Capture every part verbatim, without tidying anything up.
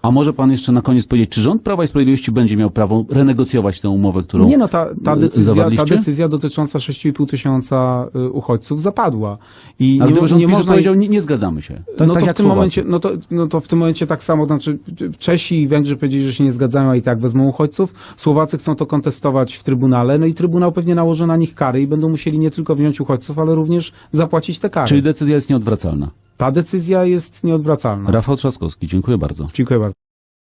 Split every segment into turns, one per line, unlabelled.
A może pan jeszcze na koniec powiedzieć, czy rząd Prawa i Sprawiedliwości będzie miał prawo renegocjować tę umowę, którą
Nie no, ta, ta, decyzja, ta
zawarliście?
decyzja dotycząca sześć i pół tysiąca y, uchodźców zapadła. I
Ale
nie,
gdyby rząd
nie
PiSu
można...
powiedział, nie, nie zgadzamy się. Tak,
no,
tak
to
jak
w tym
Słowacy.
momencie, no, to, no to w tym momencie tak samo, znaczy Czesi i Węgrzy powiedzieli, że się nie zgadzają, a i tak wezmą uchodźców. Słowacy chcą to kontestować w Trybunale, no i Trybunał pewnie nałoży na nich kary i będą musieli nie tylko wziąć uchodźców, ale również zapłacić te kary.
Czyli decyzja jest nieodwracalna.
Ta decyzja jest nieodwracalna.
Rafał Trzaskowski, dziękuję bardzo.
Dziękuję bardzo.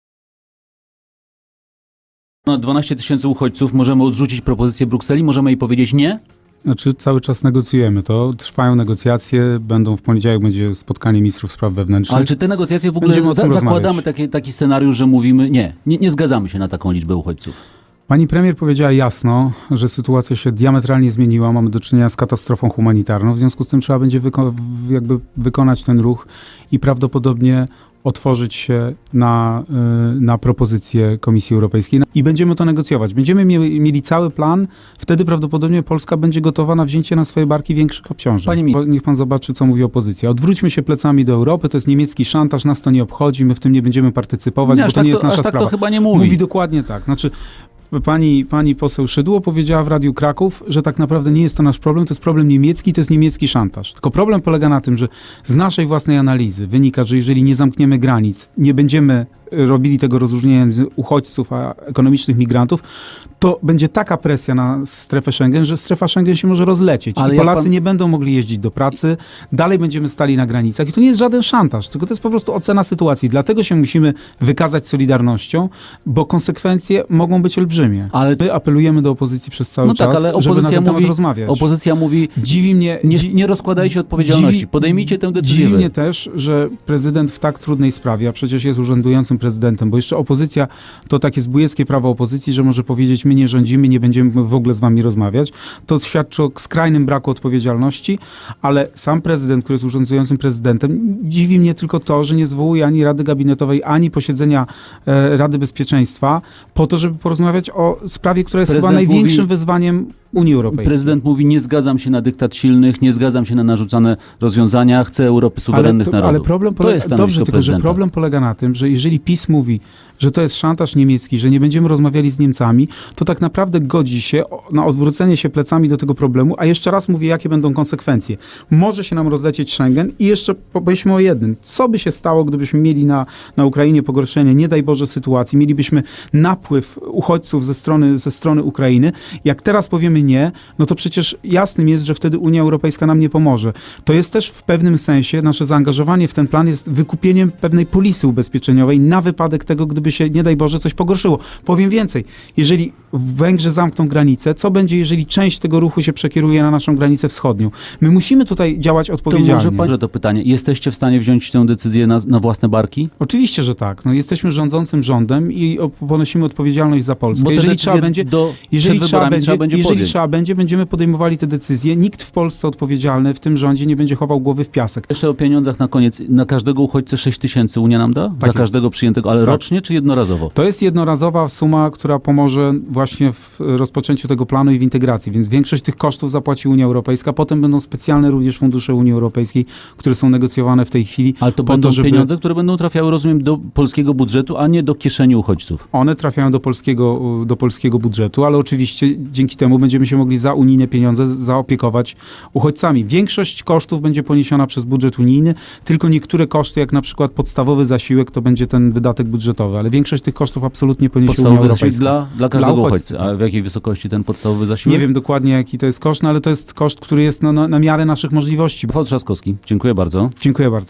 Na dwanaście tysięcy uchodźców możemy odrzucić propozycję Brukseli, możemy jej powiedzieć nie?
Znaczy cały czas negocjujemy to, trwają negocjacje, będą w poniedziałek będzie spotkanie ministrów spraw wewnętrznych.
Ale czy te negocjacje w
Będziemy
ogóle
o tym
za, zakładamy
rozmawiać.
taki, taki scenariusz, że mówimy nie, nie, nie zgadzamy się na taką liczbę uchodźców?
Pani premier powiedziała jasno, że sytuacja się diametralnie zmieniła, mamy do czynienia z katastrofą humanitarną, w związku z tym trzeba będzie wyko- jakby wykonać ten ruch i prawdopodobnie otworzyć się na, y, na propozycję Komisji Europejskiej i będziemy to negocjować. Będziemy mieli, mieli cały plan, wtedy prawdopodobnie Polska będzie gotowa na wzięcie na swoje barki większych obciążeń.
Panie mi-
Bo niech pan zobaczy, co mówi opozycja. Odwróćmy się plecami do Europy, to jest niemiecki szantaż, nas to nie obchodzi, my w tym nie będziemy partycypować,
Nie,
bo
aż
to
tak
nie jest
to- aż
nasza
tak to
sprawa.
chyba nie mówi.
Mówi dokładnie tak. Znaczy, Pani, pani poseł Szydło powiedziała w Radiu Kraków, że tak naprawdę nie jest to nasz problem, to jest problem niemiecki, to jest niemiecki szantaż. Tylko problem polega na tym, że z naszej własnej analizy wynika, że jeżeli nie zamkniemy granic, nie będziemy robili tego rozróżnienia między uchodźców a ekonomicznych migrantów, to będzie taka presja na strefę Schengen, że strefa Schengen się może rozlecieć.
Ale
I
jak
Polacy
pan-
nie będą mogli jeździć do pracy, dalej będziemy stali na granicach. I to nie jest żaden szantaż, tylko to jest po prostu ocena sytuacji. Dlatego się musimy wykazać solidarnością, bo konsekwencje mogą być olbrzymie.
Ale-
My apelujemy do opozycji przez cały
No tak,
czas,
ale
żeby na
opozycja
ten temat
mówi,
rozmawiać.
opozycja mówi
Dziwi mnie,
nie,
dzi-
nie rozkładajcie odpowiedzialności,
dziwi-
podejmijcie tę decyzję.
Dziwi
wy.
mnie też, że prezydent w tak trudnej sprawie, a przecież jest urzędującym prezydentem, bo jeszcze opozycja, to takie zbójeckie prawo opozycji, że może powiedzieć, my nie rządzimy, nie będziemy w ogóle z wami rozmawiać. To świadczy o skrajnym braku odpowiedzialności, ale sam prezydent, który jest urzędującym prezydentem, dziwi mnie tylko to, że nie zwołuje ani Rady Gabinetowej, ani posiedzenia e, Rady Bezpieczeństwa po to, żeby porozmawiać o sprawie, która jest chyba
Prezydent
największym
mówi-
wyzwaniem Unii Europejskiej.
Prezydent mówi, nie zgadzam się na dyktat silnych, nie zgadzam się na narzucane rozwiązania, chcę Europy suwerennych
ale, to,
narodów.
ale problem
to
polega,
jest stanowisko
dobrze, tylko że
prezydenta.
problem polega na tym, że jeżeli PiS mówi, że to jest szantaż niemiecki, że nie będziemy rozmawiali z Niemcami, to tak naprawdę godzi się o- na odwrócenie się plecami do tego problemu, a jeszcze raz mówię, jakie będą konsekwencje. Może się nam rozlecieć Schengen i jeszcze powiedzmy o jednym. Co by się stało, gdybyśmy mieli na, na Ukrainie pogorszenie, nie daj Boże, sytuacji, mielibyśmy napływ uchodźców ze strony, ze strony Ukrainy. Jak teraz powiemy nie, no to przecież jasnym jest, że wtedy Unia Europejska nam nie pomoże. To jest też w pewnym sensie, nasze zaangażowanie w ten plan jest wykupieniem pewnej polisy ubezpieczeniowej na wypadek tego, gdyby się, nie daj Boże, coś pogorszyło. Powiem więcej, jeżeli Węgrzy zamkną granicę, co będzie, jeżeli część tego ruchu się przekieruje na naszą granicę wschodnią? My musimy tutaj działać
To
odpowiedzialnie.
może pan, że to pytanie, jesteście w stanie wziąć tę decyzję na, na własne barki?
Oczywiście, że tak. No, jesteśmy rządzącym rządem i o- ponosimy odpowiedzialność za Polskę.
Bo te
jeżeli
decyzje
trzeba będzie,
do,
jeżeli
przed
trzeba
wyborami
będzie,
trzeba będzie
jeżeli
podjąć.
trzeba będzie, będziemy podejmowali te decyzje. Nikt w Polsce odpowiedzialny w tym rządzie nie będzie chował głowy w piasek.
Jeszcze o pieniądzach na koniec. Na każdego uchodźcę sześć tysięcy Unia nam da? Za
jest.
każdego przyjętego, ale
Tak.
rocznie czy jednorazowo?
To jest jednorazowa suma, która pomoże właśnie w rozpoczęciu tego planu i w integracji, więc większość tych kosztów zapłaci Unia Europejska. Potem będą specjalne również fundusze Unii Europejskiej, które są negocjowane w tej chwili.
Ale to
po
będą
to, żeby
pieniądze, które będą trafiały, rozumiem, do polskiego budżetu, a nie do kieszeni uchodźców.
One trafiają do polskiego, do polskiego budżetu, ale oczywiście dzięki temu będziemy się mogli za unijne pieniądze zaopiekować uchodźcami. Większość kosztów będzie poniesiona przez budżet unijny, tylko niektóre koszty, jak na przykład podstawowy zasiłek, to będzie ten wydatek budżetowy, ale większość tych kosztów absolutnie poniesie Unia
Podstawowy zasiłek
Europejska.
dla, dla każdego
Dla
uchodźcy.
uchodźcy.
A w jakiej wysokości ten podstawowy zasiłek?
Nie wiem dokładnie, jaki to jest koszt, no ale to jest koszt, który jest no, na, na miarę naszych możliwości.
Rafał Trzaskowski, dziękuję bardzo.
Dziękuję bardzo.